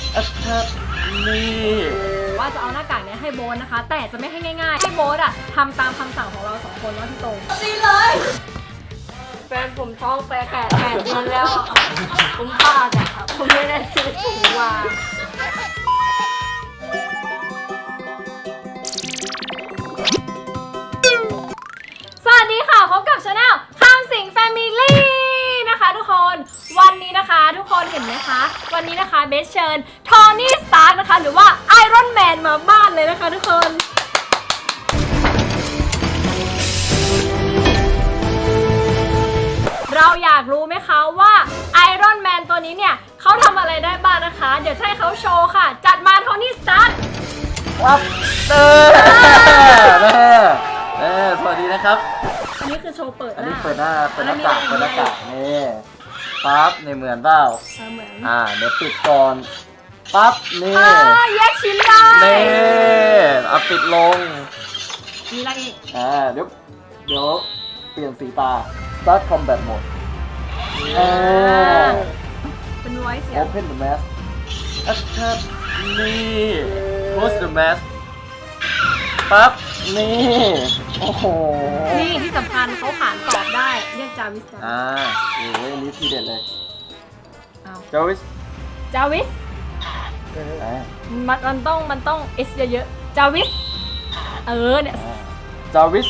ครับนี่ว่าจะเอาหน้ากากเนี้ยให้โบ๊ทนะคะ แต่จะไม่ให้ง่ายๆให้โบ๊ทอะทำตามคำสั่งของเรา2 คนว่าพี่ตรงดีเลยแฟนผมท้อง8 เดือนแล้วผมพลาดอะผมไม่ได้ซื้อถุงวางสวัสดีค่ะพบกับช anel ข้ามสิงแฟมิลี่นะคะทุกคนวันนี้นะคะทุกคนเห็นไหมคะวันนี้นะคะเบสเชิญโทนี่สตาร์กนะคะหรือว่าไอรอนแมนมาบ้านเลยนะคะทุกคนเราอยากรู้ไหมคะว่าไอรอนแมนตัวนี้เนี่ยเขาทำอะไรได้บ้างนะคะเดี๋ยวให้เขาโชว์ค่ะจัดมาโทนี่สตาร์กครับแม่สวัสดีนะครับอันนี้คือโชว์เปิดหอันน้านี้เปิดหน้ากากนี่ปั๊บในเหมือนเปล่าเหมือนเดี๋ยวปิดก่อนปั๊บนี่แยกชิ้นได้นี่เอาปิดลงมีอะไรอีกเดี๋ยวเปลี่ยนสีตา Start Combat Mode เป็น voice เสียง Open the mask ครับนี่ Close the mask ปั๊บนี่โอ้โหนี่ที่สำคัญเขาขานตอบได้เรียกจาวิสโอ้ยอันนี้ทีเด็ดเลยจาวิสมันต้องเอสเยอะๆจาวิสเนี่ยจาวิส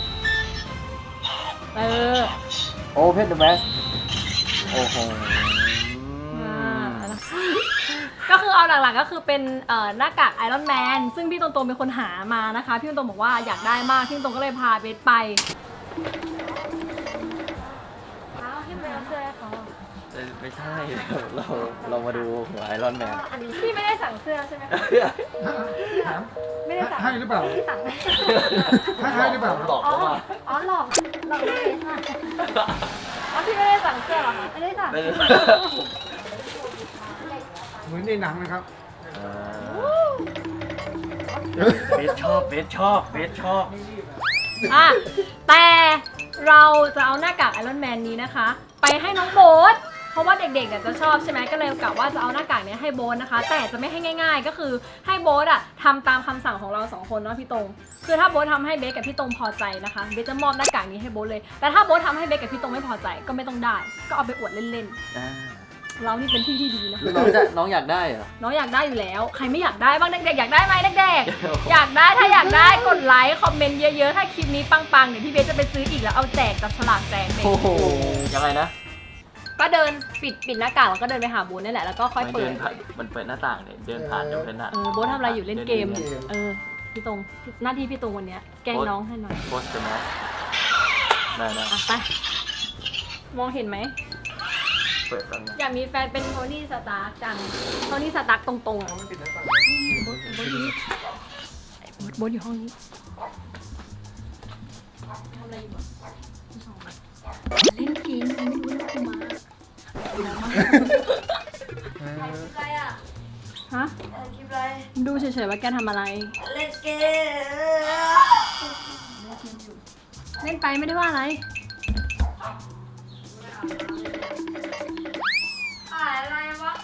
Open the mask โอ้โหก็คือเอาหลักๆก็คือเป็นหน้ากากไอรอนแมนซึ่งพี่ตรงๆเป็นคนหามานะคะพี่ตรงๆบอกว่าอยากได้มากพี่ตรงๆก็เลยพาเบสไปให้ไปเอาเสื้อให้เขาไม่ใช่เรามาดูหัวไอรอนแมนพี่ไม่ได้สั่งเสื้อใช่ไหมไม่ได้สั่งให้หรือเปล่าพี่สั่งให้หรือเปล่าหลอกเขามาหลอกเบสค่ะพี่ไม่ได้สั่งเสื้อหรอคะไม่ได้สั่งเหมือนในหนังนะครับเบสชอบแต่เราจะเอาหน้ากากไอรอนแมนนี้นะคะไปให้น้องโบ๊ทเพราะว่าเด็กๆเนี่ยจะชอบใช่ไหมก็เลยกะว่าจะเอาหน้ากากนี้ให้โบ๊ทนะคะแต่จะไม่ให้ง่ายๆก็คือให้โบ๊ททำตามคำสั่งของเรา2 คนเนาะพี่ตรงคือถ้าโบ๊ททำให้เบสกับพี่ตรงพอใจนะคะเบสจะมอบหน้ากากนี้ให้โบ๊ทเลยแต่ถ้าโบ๊ททำให้เบสกับพี่ตรงไม่พอใจก็ไม่ต้องได้ก็เอาไปอวดเล่นๆเรานี่เป็นที่ที่ดีนะน้องอยากได้เหรอน้องอยากได้อยู่แล้วใครไม่อยากได้บ้างเด็กๆอยากได้ไหมเด็กๆอยากได้ถ้าอยากได้กดไลค์คอมเมนต์เยอะๆถ้าคลิปนี้ปังๆเดี๋ยวพี่เบสจะไปซื้ออีกแล้วเอาแจกจับฉลากแจกเด็กโอ้โหยังไงนะก็เดินปิดหน้ากากแล้วก็เดินไปหาโบ๊ทนี่แหละแล้วก็ค่อยเปิดมันเปิดหน้าต่างเนี่ยเดินผ่านเดี๋ยวเป็นโบ๊ททำอะไรอยู่เล่นเกมพี่ตรงหน้าที่พี่ตรงวันนี้แกล้งน้องให้หน่อยโพสต์นะได้ไปมองเห็นไหมเปิดกันอยากมีแฟนเป็นโทนี่สตาร์กจังโทนี่สตาร์กตรงๆโบ๊ทอยู่ห้องนี้ทำอะไรอยู่เล่นเกมไม่รู้นะคุณมาถ่ายคลิปอะไรฮะถ่ายคลิปอะไรดูเฉยๆว่าแกทำอะไรเล่นเกมเล่นไปไม่ได้ว่าอะไรถ่ายอะไรวะ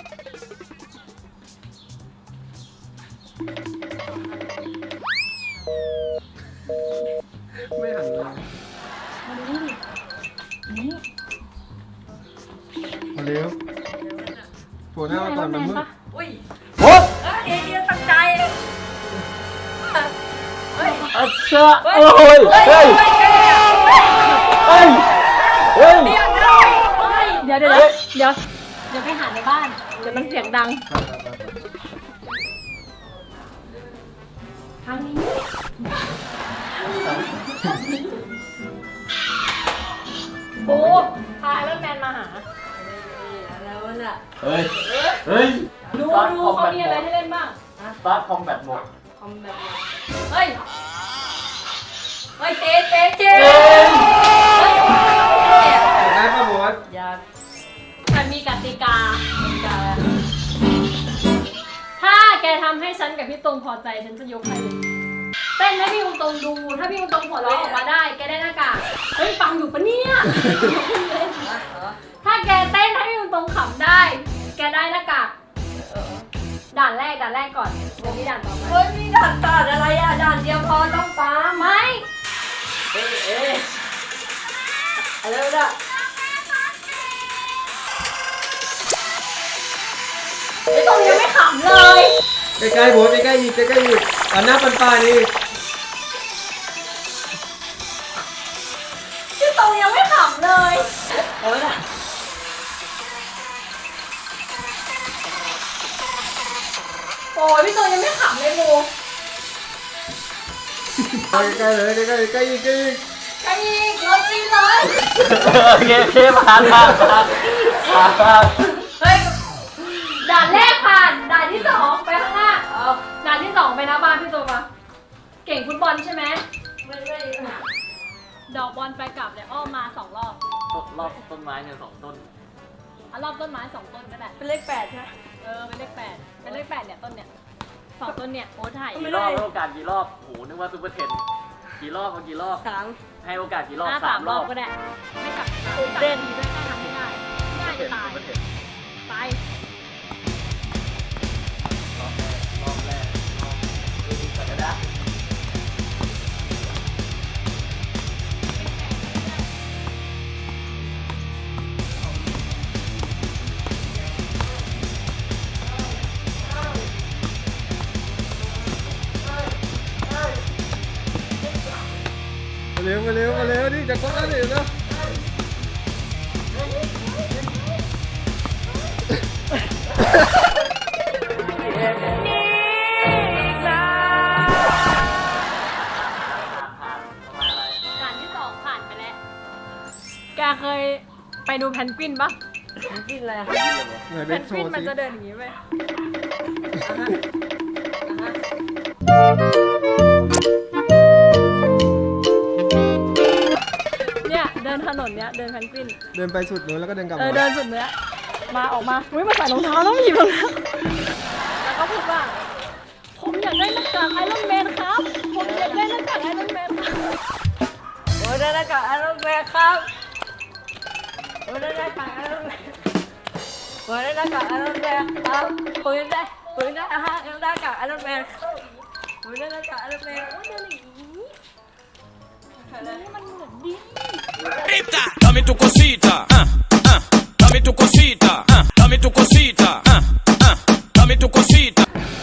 ไม่หันเลยมาดูดินี่มาเร็วปวดหน้าตอนมันมืดอุ้ยโอ้เดียตั้งใจอัชชะโอ้ยเฮ้ยเดี๋ยวไปหาในบ้านเดี๋ยวมันเสียงดังทางนี้โอ้พาไอรอนแมนมาหาแล้วน่ะเฮ้ยดูเขามีอะไรให้เล่นบ้าง Start Combat Mode เฮ้ยเจได้ป่ะโบ๊ทอยากมันมีกติกาถ้าแกทำให้ฉันกับพี่ตรงพอใจฉันจะยกให้เลยเต้นให้พี่ตรงดูถ้าพี่ตรงหัวเราะออกมาได้แกได้หน้ากากเฮ้ยฟังอยู่ปะเนี่ยถ้าแกเต้นให้พี่ตรงขำได้แกได้หน้ากากด่านแรกก่อนเดี๋ยวมีด่านต่อไปเฮ้ยมีด่านตัดอะไรอ่ะด่านเดียวพอต้องฟ้าไม่อะไรวะเนี่ยไอ้ตรงยังไม่ขำเลยใกล้ๆโบสใกล้ๆอีกใกล้ๆอีกอันหน้าปันๆนี่ที่ตรงยังไม่ขำเลยเอาละโอ้ยพี่ตรงยังไม่ขำเลยโมใกล้ๆเลยใกล้ๆใกล้อีกใกล้อีกใครอีกรถจีนเลยโอเคผ่านเฮ้ยด่านแรกผ่านด่านที่สองไปข้างหน้าด่านที่สองไปหน้าบ้านพี่ตัวมาเก่งฟุตบอลใช่ไหมไม่ดอกบอลไปกลับเนี่ยอ้อมมา2 รอบรอบต้นไม้เนี่ย2 ต้นเอารอบต้นไม้2 ต้นก็ได้เป็นเลข8ใช่ไหมเป็นเลข 8เป็นเลข 8เนี่ยต้นเนี่ย2 ต้นเนี่ยโอ้ถ่ายกี่รอบให้โอกาสกี่รอบโหนึกว่าซุปเปอร์เทนกี่รอบเอากี่รอบ 3 ให้โอกาสกี่รอบสาม 3 รรออบบ ก็ได้ไม่กลับเต้นดีด้วยแค่ทำไม่ได้ง่ายจะตายซุปเปอร์เทนไปรอบแรกดูดีกว่าจะได้มาเร็วนี่จะครบแล้วนี่นะผ่านประมาณอะไรด่านที่2ผ่านไปแล้วแกเคยไปดูแพนกวินปะกินอะไรอ่ะไหนแพเบ็นกกโชวินว์มันสิจะเดินอย่างนี้ไปเนี่ยเดินถนนเนี้ยเดินแพนกวินเดินไปสุดนู้นแล้วก็เดินกลับเอมาอเดินสุดเนี้ยมาออกมาอุ้ยมาใส่รองเท้าแล้วมาหยิบรองเท้าแล้วก็พูดว่าผมอยากได้หน้ากากไอรอนแมนครับผมอยากได้หน้ากากไอรอนแมนครับโอ้ได้หน้ากากไอรอนแมนครับโอ้ได้หน้ากากไอรอนแมนโอ้ได้หน้ากากไอรอนแมนครับผมได้หน้ากากไอรอนแมนผมได้หน้ากากไอรอนแมนโอ้ยเดินอย่างนี้นี่มันเหมือนดิ Dame tu cosita, dame tu cosita, dame tu cosita, dame tu cosita.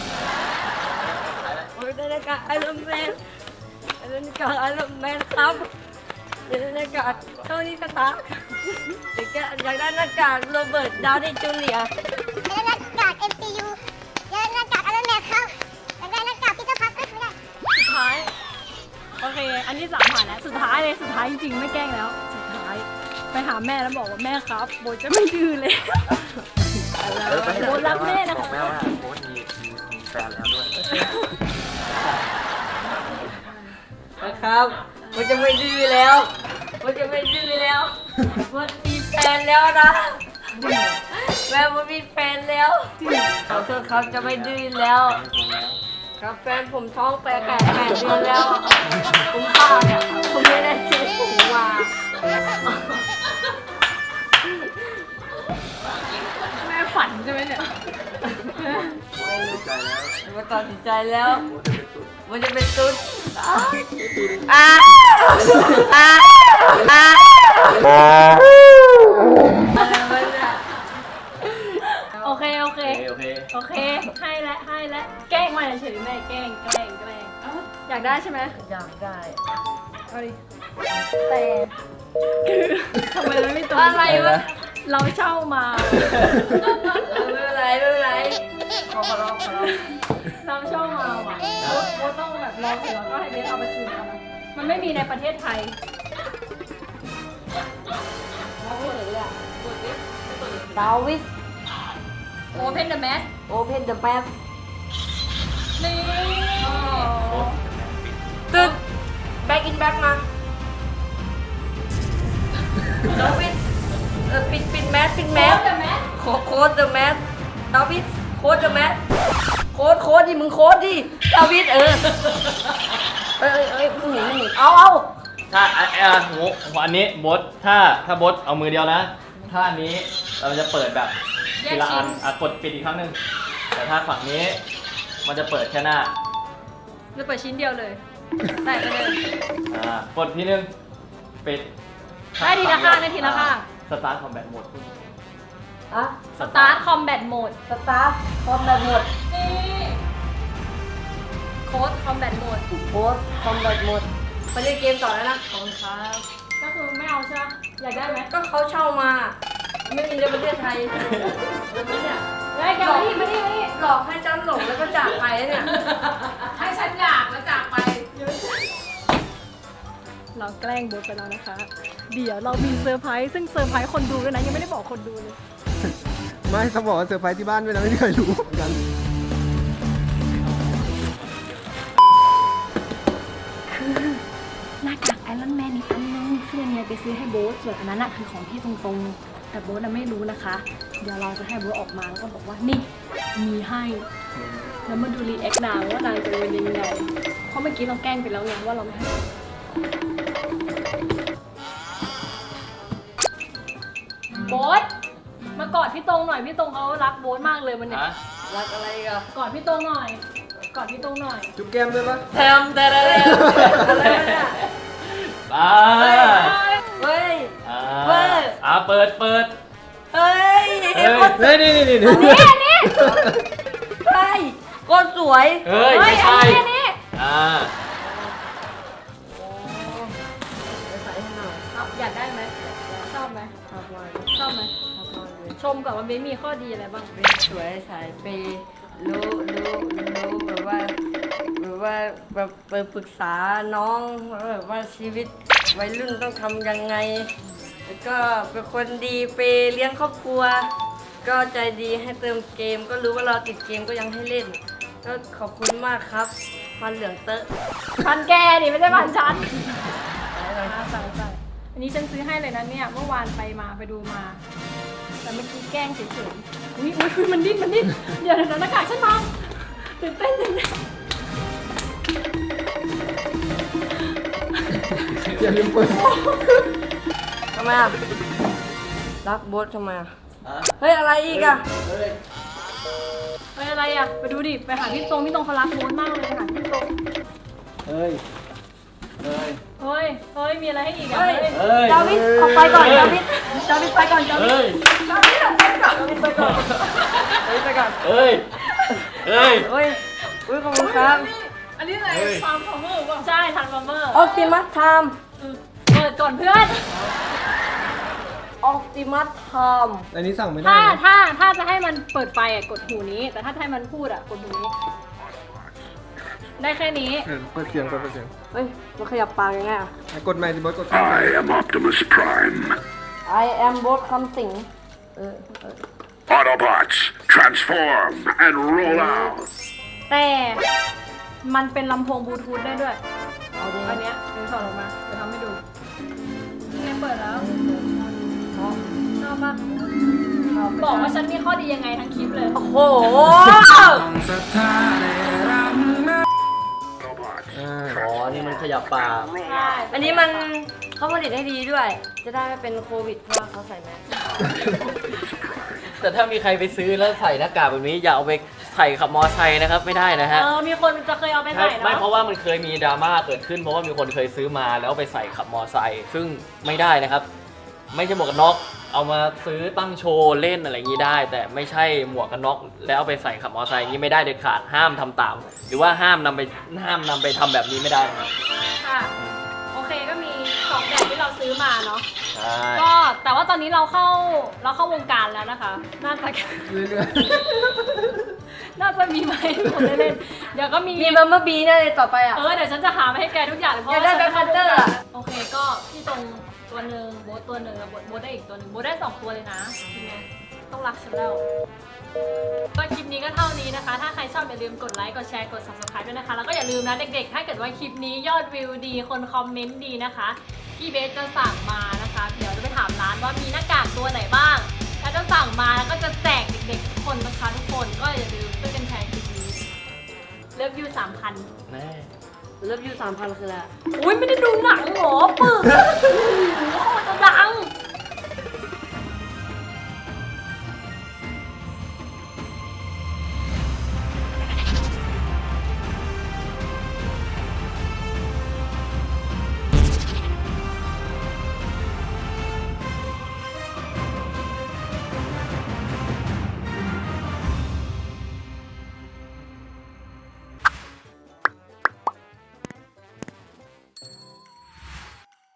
โอ้ได้หน้ากากไอรอนแมนได้หน้ากากไอรอนแมนครับได้หน้ากากโทนี่สตาร์อยากได้หน้ากากโรเบิร์ตดาวนี่จูเนียร์อยากได้หน้ากาก MCU อยากได้หน้ากากไอรอนแมนครับอยากได้หน้ากากพีเตอร์พาร์เกอร์ไม่ได้สุดท้ายโอเค อันที่3ผ่านแล้วสุดท้ายเลยสุดท้ายจริงๆไม่แกล้งแล้วสุดท้ายไปหาแม่แล้วบอกว่าแม่ครับโบจะไม่ดื้อเลยไปให้โบ๊ทรักแม่นะบอกแม่ว่าโบ๊ทมีแฟนแล้วด้วยนะครับมันจะไม่ดื้อแล้วมันจะไม่ดื้อแล้วมันมีแฟนแล้วนะแม่มันมีแฟนแล้วขอโทษครับจะไม่ดื้อแล้ว ครับแฟนผมท้อง8 เดือนแล้วผมบ้าเนี่ยผมไม่ได้ซื้อผมมาแม่ฝันใช่ไหมเนี่ยมันตัดสินใจแล้วมันจะเป็นตุ๊ดอ้าโอเคโอเคให้และแกล้งมาเฉยๆแม่แกล้งอยากได้ใช่ไหมอยากได้เอาดิแต่คือทำไมมันไม่ตรงอะไรวะเราเช่ามาไม่เป็นไรขอร้องเราเช่ามาว่ะโบต้องแบบลองเสร็จแล้วก็ให้เบสเอาไปคืนเขานะมันไม่มีในประเทศไทยดาวิส Open the mask โอเพนเดอะแมปนี่ตึ๊ดแบ็กอินแบ็กมาดาวิสปิดแมสโค้ด the mask โค้ดเดอะแมสดาวิสโค้ดเดอะแมสโค้ดดิมึงโค้ดดิดาวิสเอ้ยมึงหนีเอาถ้าอันนี้โบ๊ทถ้าโบ๊ทเอามือเดียวนะถ้าอันนี้เราจะเปิดแบบทีละอันกดปิดอีกครั้งหนึ่งแต่ถ้าฝั่งนี้มันจะเปิดแค่หน้าจะเปิดชิ้นเดียวเลยใส่ไปเลยกดทีนึงปิดได้ทีละข้างได้ทีละข้างสตาร์ทคอมแบทโหมดอะสตาร์ทคอมแบทโหมดสตาร์ทพร้อมแบบหมดนี่โค้ดคอมแบทโหมดโพสพร้อมแบบหมดไปเล่นเกมต่อแล้วนะขอบคุณครับก็คือไม่เอาใช่ไหมอยากได้ไหมก็เขาเช่ามา ไม่มีในประเทศไทยแล้วเนี่ยได้แกมานี่มานี่มานี่หลอกให้ฉันหลงแล้วก็จากไปแล้วเนี่ยให้ฉันอยากแล้วจากไป เราแกล้งโบ๊ทไปแล้วนะคะ เดี๋ยวเรามีเซอร์ไพรส์ซึ่งเซอร์ไพรส์คนดูด้วยนะ ยังไม่ได้บอกคนดูเลยไม่เขาบอกว่าเซอร์ไพรส์ที่บ้านด้วยนะไม่มีใครรู้เหมือนกันหน้ากากไอรอนแมนอีกอันนึงเพื่อนเนี่ยไปซื้อให้โบ๊ทส่วนอันนั้นน่ะคือของพี่ตรงๆ แต่โบ๊ทน่ะไม่รู้นะคะ เดี๋ยวเราจะให้โบ๊ทออกมาแล้วก็บอกว่านี่มีให้ แล้วมาดูรีแอคนางว่านางจะเป็นยังไง เพราะเมื่อกี้เราแกล้งไปแล้วไงว่าเราไม่ให้โบ๊ทมากอดพี่ตรงหน่อยพี่ตรงเขารักโบ๊ทมากเลยวันเนี้ยรักอะไรกันกอดพี่ตรงหน่อยกอดพี่ตรงหน่อยจุ๊บแก้มด้วยปะแทมแต่ละอะไรเนี่ย เฮ้ย เว้ยเปิดเฮ้ยเฮ้ยเฮ้ยนี่นี่เฮ้ยคนสวยเฮ้ย ไม่ใช่อันนี้ใส่ให้หน่อยเอาอยากได้ไหมชอบไหมชอบมากชอบไหมชอบมากเลยชมก่อนว่าเบนมีข้อดีอะไรบ้างเป็นสวยสายเปย์รู้แบบว่าแบบไปปรึกษาน้องแบบว่าชีวิตวัยรุ่นต้องทำยังไง แล้วก็เป็นคนดีเปย์เลี้ยงครอบครัว ก็ใจดีให้เติมเกม ก็รู้ว่าเราติดเกมก็ยังให้เล่น ก็ขอบคุณมากครับฟันเหลืองเตอะพันแกดิไม่ใช่พันฉันสั่งอันนี้ฉันซื้อให้เลยนะเนี่ยเมื่อวานไปดูมา แต่เมื่อกี้แกล้งเฉยๆอุ้ยมันดิ้นเดี๋ยวหน้ากากฉันมาตื่นเต้นอย่าลืมเปิดทำไมอ่ะ รักโบ๊ททำไมอ่ะ เฮ้ย อะไรอีกอ่ะไปอะไรอ่ะไปดูดิไปหาพี่ตรงเขารักโบ๊ทมากเลยไปหาพี่ตรงเฮ้ยเฮ้ยมีอะไรให้อีกอ่ะเฮ้ยเฮ้ยดาวิดออกไปก่อนดาวิดไปก่อนดาวิเฮ้ยดออกไปก่อนดาวิดไปก่อนดาวิดไปก่อนเฮ้ยเฮ้ยขอบคุณครับอันนี้อะไรฟาร์มฟอร์เมอร์ป่ะใช่ทันฟอร์เมอร์ออ t ติมัสไทม์เปิดก่อนเพื่อนออ t ติมัสไทม์อันนี้สั่งไม่ได้ถ้านะถ้าจะให้มันเปิดไฟอ่ะกดหูนี้ แต่ถ้าให้มันพูดอ่ะกดหูนี้ ได้แค่นี้เปิดเสียงเฮ้ยมันขยับปากยังไงอ่ะกดใหม่สิบอสกด I am Optimus Prime. I am โบ๊ทคำสิง Autobots, transform and roll out. แต่มันเป็นลำโพงบลูทูธได้ด้วยเอาดิอันเนี้ยเดี๋ยวถอดออกมาเดี๋ยวทำให้ดูนี่เปิดแล้วชอบปะบอกว่าฉันมีข้อดียังไงทั้งคลิปเลยโอ้โหอ๋อ นี่มันขยับปากใช่อันนี้มันเขาผลิตให้ดีด้วย จะได้ไม่เป็นโควิดเพราะว่าเขาใส่แมสแต่ถ้ามีใครไปซื้อแล้วใส่หน้ากากแบบนี้อย่าเอาไปใส่ขับมอไซค์นะครับ ไม่ได้นะฮะมีคนจะเคยเอาไปใส่ไม่เนาะเพราะว่ามันเคยมีดราม่าเกิดขึ้นเพราะว่ามีคนเคยซื้อมาแล้วไปใส่ขับมอไซค์ซึ่งไม่ได้นะครับ ไม่ใช่หมวกกันน็อกเอามาซื้อตั้งโชว์เล่นอะไรอย่างนี้ได้ แต่ไม่ใช่หมวกกันน็อกแล้วเอาไปใส่ขับมอไซค์อย่างนี้ไม่ได้เด็ดขาดห้ามทำตาม หรือว่าห้ามนำไปทำแบบนี้ไม่ได้นะครับค่ะโอเคก็มี2แบบที่เราซื้อมาเนาะใช่ก็แต่ว่าตอนนี้เราเข้าวงการแล้วนะคะ น่าจะเรื่อยน่าจะมีไหมคนได้เล่นเดี๋ยวก็มีมีบัมเบอร์บีแน่เลยต่อไปอ่ะเดี๋ยวฉันจะหามาให้แกทุกอย่างเลยเพราะอยากได้ว่าฉัน Black Panther อะโอเคก็พี่ตรงตัวหนึ่งโบ๊ทตัวหนึ่งแล้วโบ๊ทได้อีกตัวหนึ่งโบ๊ทได้2ตัวเลยนะทีเนี้ยต้องรักฉันแล้วก็คลิปนี้ก็เท่านี้นะคะ ถ้าใครชอบอย่าลืมกดไลค์กดแชร์กด subscribe ด้วยนะคะแล้วก็อย่าลืมนะเด็กๆถ้าเกิดว่าคลิปนี้ยอดวิวดีคนคอมเมนต์ดีนะคะพี่เบสจะสั่งมานะคะเดี๋ยวจะไปถามร้านว่ามีหน้ากากตัวไหนบ้างแล้วจะสั่งมาแล้วก็จะแจกเด็กๆทุกคนนะคะทุกคนก็อย่าลืมช่วยกันแชร์คลิปนี้เลิฟยู3,000 แน่เลิฟยู3,000คืออะไรอุ้ยไม่ได้ดูหนังเหรอปึกโอ้ย